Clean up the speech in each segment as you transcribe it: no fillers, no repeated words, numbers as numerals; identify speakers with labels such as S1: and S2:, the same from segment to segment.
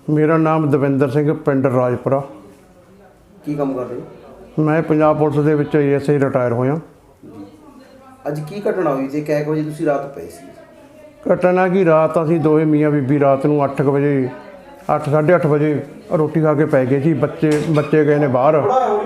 S1: ਮੇਰਾ ਨਾਮ ਦਵਿੰਦਰ ਸਿੰਘ, ਪਿੰਡ ਰਾਜਪੁਰਾ।
S2: ਕੀ ਕੰਮ ਕਰ ਰਹੇ ਹੋ?
S1: ਮੈਂ ਪੰਜਾਬ ਪੁਲਿਸ ਦੇ ਵਿੱਚ ASI ਰਿਟਾਇਰ ਹੋਇਆ।
S2: ਅੱਜ ਕੀ ਘਟਨਾ ਹੋਈ ਤੇ ਕਿੰਨੇ ਵਜੇ ਤੁਸੀਂ ਰਾਤ ਪਏ ਸੀ?
S1: ਘਟਨਾ ਕੀ, ਰਾਤ ਅਸੀਂ ਦੋਵੇਂ ਮੀਆਂ ਬੀਬੀ ਰਾਤ ਨੂੰ 8 ਵਜੇ 8:30 ਵਜੇ ਰੋਟੀ ਖਾ ਕੇ ਪੈ ਗਏ ਸੀ। ਬੱਚੇ ਗਏ ਨੇ ਬਾਹਰ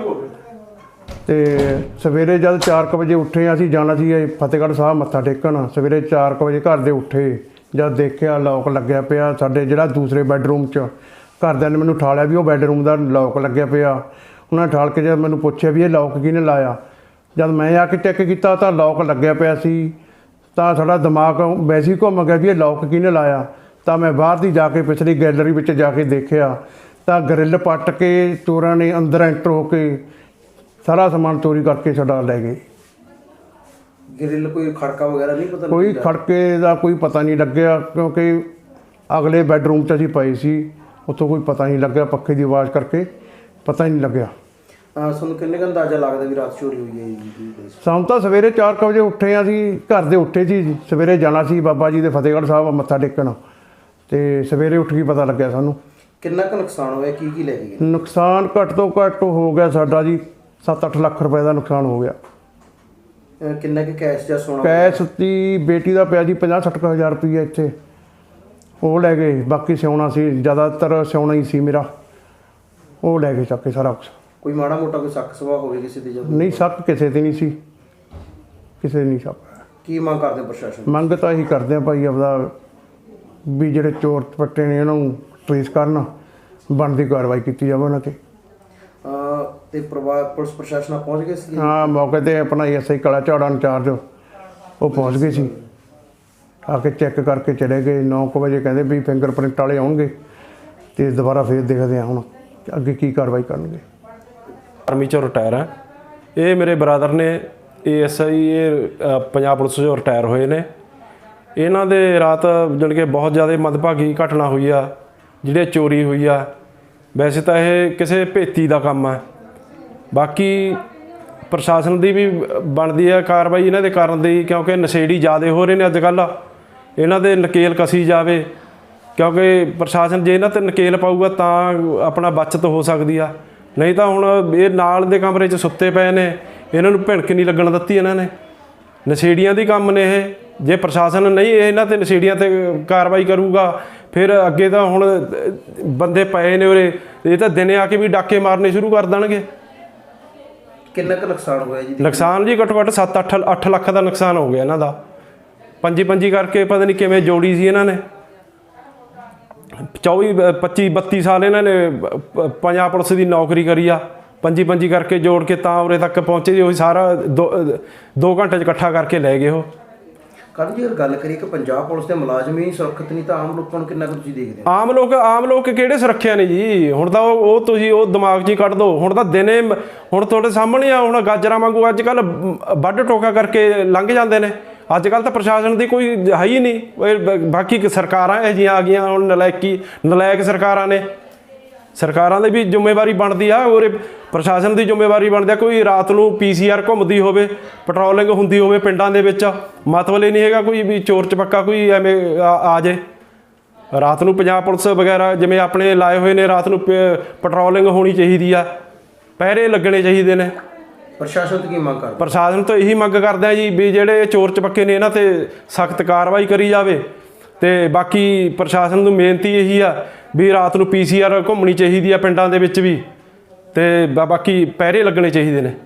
S1: ਤੇ ਸਵੇਰੇ ਜਦ 4 ਵਜੇ ਉੱਠੇ, ਅਸੀਂ ਜਾਣਾ ਸੀ ਫਤਿਹਗੜ੍ਹ ਸਾਹਿਬ ਮੱਥਾ ਟੇਕਣ। ਸਵੇਰੇ 4 ਵਜੇ ਘਰ ਦੇ ਉੱਠੇ, ਜਦ ਦੇਖਿਆ ਲੌਕ ਲੱਗਿਆ ਪਿਆ ਸਾਡੇ ਜਿਹੜਾ ਦੂਸਰੇ ਬੈੱਡਰੂਮ 'ਚ। ਘਰਦਿਆਂ ਨੇ ਮੈਨੂੰ ਠਾਲਿਆ ਵੀ ਉਹ ਬੈੱਡਰੂਮ ਦਾ ਲੌਕ ਲੱਗਿਆ ਪਿਆ। ਉਹਨਾਂ ਨੇ ਠਾਲ ਕੇ ਜਦ ਮੈਨੂੰ ਪੁੱਛਿਆ ਵੀ ਇਹ ਲੌਕ ਕਿਹਨੇ ਲਾਇਆ, ਜਦ ਮੈਂ ਆ ਕੇ ਚੈੱਕ ਕੀਤਾ ਤਾਂ ਲੌਕ ਲੱਗਿਆ ਪਿਆ ਸੀ। ਤਾਂ ਸਾਡਾ ਦਿਮਾਗ ਵੈਸੇ ਹੀ ਘੁੰਮ ਗਿਆ ਵੀ ਇਹ ਲੌਕ ਕਿਹਨੇ ਲਾਇਆ। ਤਾਂ ਮੈਂ ਬਾਹਰ ਦੀ ਜਾ ਕੇ ਪਿਛਲੀ ਗੈਲਰੀ ਵਿੱਚ ਜਾ ਕੇ ਦੇਖਿਆ ਤਾਂ ਗਰਿੱਲ ਪੱਟ ਕੇ ਚੋਰਾਂ ਨੇ ਅੰਦਰ ਐਂਟਰ ਹੋ ਕੇ ਸਾਰਾ ਸਮਾਨ ਚੋਰੀ ਕਰਕੇ ਸਾਡਾ ਲੈ ਗਏ।
S2: ਗਰਿੱਲ ਕੋਈ ਖੜਕਾ ਵਗੈਰਾ ਨਹੀਂ ਪਤਾ?
S1: ਕੋਈ ਖੜਕੇ ਦਾ ਕੋਈ ਪਤਾ ਨਹੀਂ ਲੱਗਿਆ, ਕਿਉਂਕਿ ਅਗਲੇ ਬੈੱਡਰੂਮ 'ਚ ਅਸੀਂ ਪਏ ਸੀ, ਉੱਥੋਂ ਕੋਈ ਪਤਾ ਨਹੀਂ ਲੱਗਿਆ। ਪੱਖੇ ਦੀ ਆਵਾਜ਼ ਕਰਕੇ ਪਤਾ ਹੀ ਨਹੀਂ ਲੱਗਿਆ।
S2: ਤੁਹਾਨੂੰ ਕਿੰਨੇ ਕੁ ਅੰਦਾਜ਼ਾ ਲੱਗਦਾ ਵੀ ਰਾਤ ਚੋਰੀ ਹੋਈ ਹੈ ਜੀ?
S1: ਸਾਨੂੰ ਤਾਂ ਸਵੇਰੇ 4 ਵਜੇ ਉੱਠੇ ਹਾਂ, ਅਸੀਂ ਘਰ ਦੇ ਉੱਠੇ ਸੀ। ਸਵੇਰੇ ਜਾਣਾ ਸੀ ਬਾਬਾ ਜੀ ਦੇ ਫਤਿਹਗੜ੍ਹ ਸਾਹਿਬ ਮੱਥਾ ਟੇਕਣ, ਤੇ ਸਵੇਰੇ ਉੱਠ ਕੇ ਪਤਾ ਲੱਗਿਆ ਸਾਨੂੰ।
S2: ਕਿੰਨਾ ਕੁ ਨੁਕਸਾਨ ਹੋਇਆ? ਕੀ ਲੈ ਕੇ ਗਏ?
S1: ਨੁਕਸਾਨ ਘੱਟ ਤੋਂ ਘੱਟ ਹੋ ਗਿਆ ਸਾਡਾ ਜੀ 7-8 ਲੱਖ ਰੁਪਏ ਦਾ ਨੁਕਸਾਨ ਹੋ ਗਿਆ।
S2: ਕਿੰਨਾ ਕੁ ਕੈਸ਼ ਜਾਂ ਸੋਨਾ?
S1: ਕੈਸ਼ ਦੀ ਬੇਟੀ ਦਾ ਪਿਆ ਜੀ 50-60 ਹਜ਼ਾਰ ਰੁਪਈਆ ਇੱਥੇ, ਉਹ ਲੈ ਗਏ। ਬਾਕੀ ਸਿਉਣਾ ਸੀ, ਜ਼ਿਆਦਾਤਰ ਸਿਉਣਾ ਹੀ ਸੀ ਮੇਰਾ, ਉਹ ਲੈ ਕੇ ਚੱਕ ਕੇ ਸਾਰਾ ਕੁਛ।
S2: ਕੋਈ ਮਾੜਾ ਮੋਟਾ ਕੋਈ ਸ਼ੱਕ ਸਵਾ ਹੋਵੇ ਕਿਸੇ ਦੇ?
S1: ਨਹੀਂ, ਸ਼ੱਕ ਕਿਸੇ ਤੇ ਨਹੀਂ ਸੀ, ਕਿਸੇ ਨਹੀਂ ਸ਼ੱਕ।
S2: ਕੀ ਮੰਗ ਕਰਦੇ ਪ੍ਰਸ਼ਾਸਨ? ਮੰਗ
S1: ਤਾਂ ਇਹੀ ਕਰਦੇ ਆ ਭਾਈ ਆਪਦਾ ਵੀ ਜਿਹੜੇ ਚੋਰ ਪੱਟੇ ਨੇ ਉਹਨਾਂ ਨੂੰ ਟ੍ਰੇਸ ਕਰਨ, ਬਣਦੀ ਕਾਰਵਾਈ ਕੀਤੀ ਜਾਵੇ ਉਹਨਾਂ 'ਤੇ।
S2: ਤੇ ਪੁਲਿਸ ਪ੍ਰਸ਼ਾਸਨ ਪਹੁੰਚ ਗਏ ਸੀ?
S1: ਹਾਂ, ਮੌਕੇ 'ਤੇ ਆਪਣਾ ASI ਕਲਾ ਝਾੜਾ ਇੰਚਾਰਜ ਉਹ ਪਹੁੰਚ ਗਏ ਸੀ। ਆ ਕੇ ਚੈੱਕ ਕਰਕੇ ਚਲੇ ਗਏ। 9 ਵਜੇ ਕਹਿੰਦੇ ਵੀ ਫਿੰਗਰਪ੍ਰਿੰਟ ਵਾਲੇ ਆਉਣਗੇ ਅਤੇ ਦੁਬਾਰਾ ਫਿਰ ਦੇਖਦੇ ਹਾਂ ਹੁਣ ਅੱਗੇ ਕੀ ਕਾਰਵਾਈ ਕਰਨਗੇ।
S3: ਆਰਮੀ 'ਚੋਂ ਰਿਟਾਇਰ ਹੈ। ਇਹ ਮੇਰੇ ਬ੍ਰਦਰ ਨੇ ASI, ਇਹ ਪੰਜਾਬ ਪੁਲਿਸ 'ਚੋਂ ਰਿਟਾਇਰ ਹੋਏ ਨੇ। ਇਹਨਾਂ ਦੇ ਰਾਤ ਜਾਣੀ ਕਿ ਬਹੁਤ ਜ਼ਿਆਦਾ ਮੰਦਭਾਗੀ ਘਟਨਾ ਹੋਈ ਆ, ਜਿਹੜੇ ਚੋਰੀ ਹੋਈ ਆ। ਵੈਸੇ ਤਾਂ ਇਹ ਕਿਸੇ ਭੇਤੀ ਦਾ ਕੰਮ ਹੈ, ਬਾਕੀ ਪ੍ਰਸ਼ਾਸਨ ਦੀ ਵੀ ਬਣਦੀ ਹੈ ਕਾਰਵਾਈ ਇਹਨਾਂ ਦੇ ਕਰਨ ਦੀ, ਕਿਉਂਕਿ ਨਸ਼ੇੜੀ ਜ਼ਿਆਦਾ ਹੋ ਰਹੇ ਨੇ ਅੱਜ ਕੱਲ੍ਹ। ਇਹਨਾਂ ਦੇ ਨਕੇਲ ਕਸੀ ਜਾਵੇ, ਕਿਉਂਕਿ ਪ੍ਰਸ਼ਾਸਨ ਜੇ ਇਹਨਾਂ 'ਤੇ ਨਕੇਲ ਪਾਊਗਾ ਤਾਂ ਆਪਣਾ ਬਚਤ ਹੋ ਸਕਦੀ ਆ। ਨਹੀਂ ਤਾਂ ਹੁਣ ਇਹ ਨਾਲ ਦੇ ਕਮਰੇ 'ਚ ਸੁੱਤੇ ਪਏ ਨੇ, ਇਹਨਾਂ ਨੂੰ ਭਿਣਕ ਨਹੀਂ ਲੱਗਣ ਦਿੱਤੀ ਇਹਨਾਂ ਨੇ। ਨਸ਼ੇੜੀਆਂ ਦੀ ਕੰਮ ਨੇ ਇਹ। ਜੇ ਪ੍ਰਸ਼ਾਸਨ ਨਹੀਂ ਇਹਨਾਂ 'ਤੇ ਨਸ਼ੇੜੀਆਂ 'ਤੇ ਕਾਰਵਾਈ ਕਰੂਗਾ, ਫਿਰ ਅੱਗੇ ਤਾਂ ਹੁਣ ਬੰਦੇ ਪਏ ਨੇ ਉਰੇ, ਇਹ ਤਾਂ ਦਿਨੇ ਆ ਕੇ ਵੀ ਡਾਕੇ ਮਾਰਨੇ ਸ਼ੁਰੂ ਕਰ ਦੇਣਗੇ।
S2: ਕਿੰਨਾ ਕੁ ਨੁਕਸਾਨ ਹੋਇਆ ਜੀ?
S3: ਨੁਕਸਾਨ ਜੀ ਘੱਟੋ ਘੱਟ 7-8 ਲੱਖ ਦਾ ਨੁਕਸਾਨ ਹੋ ਗਿਆ ਇਹਨਾਂ ਦਾ। ਪੰਜੀ ਕਰਕੇ ਪਤਾ ਨਹੀਂ ਕਿਵੇਂ ਜੋੜੀ ਸੀ ਇਹਨਾਂ ਨੇ। 24-25-32 ਸਾਲ ਇਹਨਾਂ ਨੇ ਪੰਜਾਬ ਪੁਲਿਸ ਦੀ ਨੌਕਰੀ ਕਰੀ ਆ। ਪੰਜੀ ਕਰਕੇ ਜੋੜ ਕੇ ਤਾਂ ਉਰੇ ਤੱਕ ਪਹੁੰਚੇ ਜੀ। ਉਹ ਸਾਰਾ 2 ਘੰਟੇ 'ਚ ਇਕੱਠਾ ਕਰਕੇ ਲੈ ਗਏ ਉਹ।
S2: ਕੱਲ੍ਹ ਜੀ ਗੱਲ ਕਰੀਏ ਕਿ ਪੰਜਾਬ ਪੁਲਿਸ ਦੇ ਮੁਲਾਜ਼ਮ ਹੀ ਸੁਰੱਖਿਅਤ ਨਹੀਂ, ਤਾਂ ਆਮ ਲੋਕਾਂ ਨੂੰ ਕਿੰਨਾ ਕੁ ਤੁਸੀਂ ਦੇਖਦੇ ਹੋ?
S3: ਆਮ ਲੋਕ ਕਿਹੜੇ ਸੁਰੱਖਿਆ ਨੇ ਜੀ? ਹੁਣ ਤਾਂ ਉਹ ਤੁਸੀਂ ਉਹ ਦਿਮਾਗ 'ਚ ਹੀ ਕੱਢ ਦਿਓ। ਹੁਣ ਤਾਂ ਦਿਨੇ ਹੁਣ ਤੁਹਾਡੇ ਸਾਹਮਣੇ ਆ, ਹੁਣ ਗਾਜਰਾਂ ਵਾਂਗੂ ਅੱਜ ਕੱਲ੍ਹ ਵੱਢ ਟੋਕਾ ਕਰਕੇ ਲੰਘ ਜਾਂਦੇ ਨੇ। ਅੱਜ ਕੱਲ੍ਹ ਤਾਂ ਪ੍ਰਸ਼ਾਸਨ ਦੀ ਕੋਈ ਹੈ ਹੀ ਨਹੀਂ। ਬਾਕੀ ਸਰਕਾਰਾਂ ਇਹੋ ਜਿਹੀਆਂ ਆ ਗਈਆਂ ਹੁਣ, ਨਲਾਇਕ ਸਰਕਾਰਾਂ ਨੇ। ਸਰਕਾਰਾਂ ਦੀ ਵੀ ਜ਼ਿੰਮੇਵਾਰੀ ਬਣਦੀ ਆ, ਔਰ ਪ੍ਰਸ਼ਾਸਨ ਦੀ ਜ਼ਿੰਮੇਵਾਰੀ ਬਣਦੀ ਆ। ਕੋਈ ਰਾਤ ਨੂੰ PCR ਘੁੰਮਦੀ ਹੋਵੇ, ਪੈਟਰੋਲਿੰਗ ਹੁੰਦੀ ਹੋਵੇ ਪਿੰਡਾਂ ਦੇ ਵਿੱਚ, ਮਤਲਬ ਇਹ ਨਹੀਂ ਹੈਗਾ ਕੋਈ ਵੀ ਚੋਰ ਚਪੱਕਾ ਕੋਈ ਐਵੇਂ ਆ ਜੇ। ਰਾਤ ਨੂੰ ਪੰਜਾਬ ਪੁਲਿਸ ਵਗੈਰਾ ਜਿਵੇਂ ਆਪਣੇ ਲਾਏ ਹੋਏ ਨੇ, ਰਾਤ ਨੂੰ ਪੈਟਰੋਲਿੰਗ ਹੋਣੀ ਚਾਹੀਦੀ ਆ, ਪਹਿਰੇ ਲੱਗਣੇ ਚਾਹੀਦੇ ਨੇ।
S2: ਪ੍ਰਸ਼ਾਸਨ ਤੋਂ ਕੀ ਮੰਗ ਕਰਦੇ?
S3: ਪ੍ਰਸ਼ਾਸਨ ਤੋਂ ਇਹੀ ਮੰਗ ਕਰਦੇ ਆ ਜੀ ਵੀ ਜਿਹੜੇ ਚੋਰ ਚਪੱਕੇ ਨੇ ਇਹਨਾਂ 'ਤੇ ਸਖਤ ਕਾਰਵਾਈ ਕਰੀ ਜਾਵੇ। ਅਤੇ ਬਾਕੀ ਪ੍ਰਸ਼ਾਸਨ ਨੂੰ ਬੇਨਤੀ ਇਹੀ ਆ ਵੀ ਰਾਤ ਨੂੰ PCR ਘੁੰਮਣੀ ਚਾਹੀਦੀ ਆ ਪਿੰਡਾਂ ਦੇ ਵਿੱਚ ਵੀ, ਅਤੇ ਬਾਕੀ ਪਹਿਰੇ ਲੱਗਣੇ ਚਾਹੀਦੇ ਨੇ।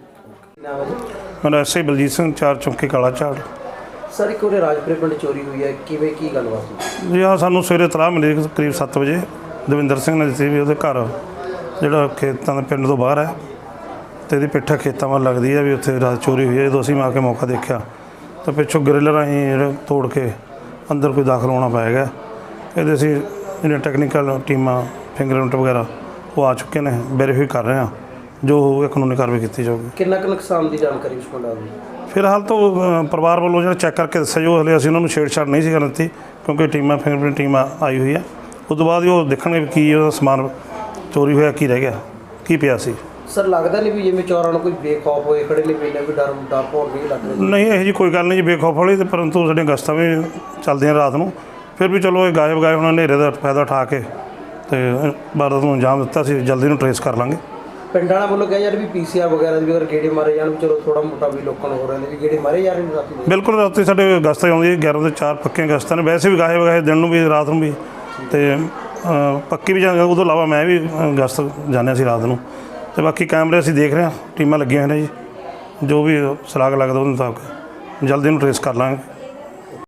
S4: ਮੇਰਾ ਐਸਆਈ ਬਲਜੀਤ ਸਿੰਘ, 4 ਚੌਂਕੀ ਕਾਲਾ ਝਾੜ।
S2: ਸਰ, ਇੱਕ ਉਹਦੇ ਰਾਜਪੁਰੇ ਪਿੰਡ ਚੋਰੀ ਹੋਈ ਹੈ, ਕਿਵੇਂ ਕੀ ਗੱਲਬਾਤ ਹੋਈ
S4: ਜੀ? ਹਾਂ, ਸਾਨੂੰ ਸਵੇਰੇ ਇਤਲਾਹ ਮਿਲੀ ਕਰੀਬ 7 ਵਜੇ ਦਵਿੰਦਰ ਸਿੰਘ ਨੇ ਦਿੱਤੀ ਵੀ ਉਹਦੇ ਘਰ ਜਿਹੜਾ ਖੇਤਾਂ ਦੇ ਪਿੰਡ ਤੋਂ ਬਾਹਰ ਹੈ ਅਤੇ ਇਹਦੀ ਪਿੱਠਾ ਖੇਤਾਂ ਵੱਲ ਲੱਗਦੀ ਹੈ, ਵੀ ਉੱਥੇ ਰਾਤ ਚੋਰੀ ਹੋਈ ਹੈ। ਜਦੋਂ ਅਸੀਂ ਆ ਕੇ ਮੌਕਾ ਦੇਖਿਆ ਤਾਂ ਪਿੱਛੋਂ ਗਰਿੱਲ ਰਾਹੀਂ ਜਿਹੜਾ ਤੋੜ ਕੇ ਅੰਦਰ ਕੋਈ ਦਾਖਲ ਹੋਣਾ ਪੈ ਗਿਆ। ਇਹਦੇ ਅਸੀਂ ਜਿਹੜੀਆਂ ਟੈਕਨੀਕਲ ਟੀਮਾਂ, ਫਿੰਗਰਪ੍ਰਿੰਟ ਵਗੈਰਾ ਉਹ ਆ ਚੁੱਕੇ ਨੇ, ਵੈਰੀਫਾਈ ਕਰ ਰਹੇ ਹਾਂ। ਜੋ ਹੋਊਗਾ ਕਾਨੂੰਨੀ ਕਾਰਵਾਈ ਕੀਤੀ ਜਾਊਗੀ।
S2: ਕਿੰਨਾ ਕੁ ਨੁਕਸਾਨ ਦੀ ਜਾਣਕਾਰੀ ਉਸ ਕੋਲ ਆ ਗਈ?
S4: ਫਿਲਹਾਲ ਤਾਂ ਪਰਿਵਾਰ ਵੱਲੋਂ ਜਿਹੜਾ ਚੈੱਕ ਕਰਕੇ ਦੱਸਿਆ ਜੋ ਹਲੇ ਅਸੀਂ ਉਹਨਾਂ ਨੂੰ ਛੇੜਛਾੜ ਨਹੀਂ ਸੀ ਕਰਨ ਦਿੱਤੀ, ਕਿਉਂਕਿ ਟੀਮਾਂ ਫਿੰਗਰਪ੍ਰਿੰਟ ਟੀਮ ਆਈ ਹੋਈ ਹੈ। ਉਸ ਤੋਂ ਬਾਅਦ ਹੀ ਉਹ ਦੇਖਣਗੇ ਵੀ ਕੀ ਉਹਦਾ ਸਮਾਨ ਚੋਰੀ ਹੋਇਆ, ਕੀ ਰਹਿ ਗਿਆ, ਕੀ ਪਿਆ ਸੀ।
S2: ਸਰ, ਲੱਗਦਾ ਨਹੀਂ ਵੀ ਜਿਵੇਂ ਚੋਰਾਂ ਨੂੰ ਕੋਈ ਬੇਖੌਫ ਹੋਏ ਖੜੇ ਨੇ, ਪਹਿਲਾਂ ਵੀ ਡਰ ਭੌਰ ਨਹੀਂ ਲੱਗ ਰਿਹਾ?
S4: ਨਹੀਂ, ਇਹੋ ਜਿਹੀ ਕੋਈ ਗੱਲ ਨਹੀਂ ਜੀ ਬੇਖੌਫ ਵਾਲੀ। ਅਤੇ ਪਰੰਤੂ ਸਾਡੀਆਂ ਗਸ਼ਤਾਂ ਵੀ ਚੱਲਦੀਆਂ ਰਾਤ ਨੂੰ, ਫਿਰ ਵੀ ਚਲੋ ਇਹ ਗਾਇਬ ਹੁਣ ਹਨੇਰੇ ਦਾ ਫਾਇਦਾ ਉਠਾ ਕੇ ਤੇ ਵਾਰਦਾਤ ਨੂੰ ਅੰਜਾਮ ਦਿੱਤਾ ਸੀ। ਜਲਦੀ ਨੂੰ ਟਰੇਸ ਕਰ ਲਾਂਗੇ।
S2: ਪਿੰਡ ਵਾਲਾ ਵੱਲੋਂ ਕਿਹਾ ਯਾਰ ਵੀ ਪੀਸੀਆਰ ਵਗੈਰਾ ਦੀ ਵੀ ਅਗਰ ਗੇੜੇ ਮਾਰੇ ਜਾਣ ਵੀ ਚਲੋ ਥੋੜਾ ਮੋਟਾ ਵੀ ਲੋਕਾਂ ਨੂੰ ਹੋ ਰਿਹਾ ਨੇ ਵੀ ਗੇੜੇ ਮਾਰੇ ਜਾ ਰਹੇ ਨੇ ਰਾਤੀ ਦੇ।
S4: ਬਿਲਕੁਲ ਰਾਤੀ ਸਾਡੇ ਗਸ਼ਤ ਆਉਂਦੀ ਹੈ 11 ਤੋਂ 4 ਪੱਕੀਆਂ ਗਸ਼ਤਾਂ ਨੇ, ਵੈਸੇ ਵੀ ਗਾਹੇ ਵਗਾਹੇ ਦਿਨ ਨੂੰ ਵੀ ਰਾਤ ਨੂੰ ਵੀ, ਤੇ ਪੱਕੀ ਵੀ ਜਾਂਦੇ। ਉਦੋਂ ਇਲਾਵਾ ਮੈਂ ਵੀ ਗਸ਼ਤ ਜਾਂਦੇ ਸੀ ਰਾਤ ਨੂੰ। ਤੇ ਬਾਕੀ ਕੈਮਰੇ ਅਸੀਂ ਦੇਖ ਰਹੇ ਹਾਂ, ਟੀਮਾਂ ਲੱਗੀਆਂ ਹੋਈਆਂ ਨੇ ਜੀ। ਜੋ ਵੀ ਸੁਰਾਗ ਲੱਗਦਾ ਉਹਦੇ ਮੁਤਾਬਕ ਜਲਦੀ ਨੂੰ ਟਰੇਸ ਕਰ ਲਾਂਗੇ।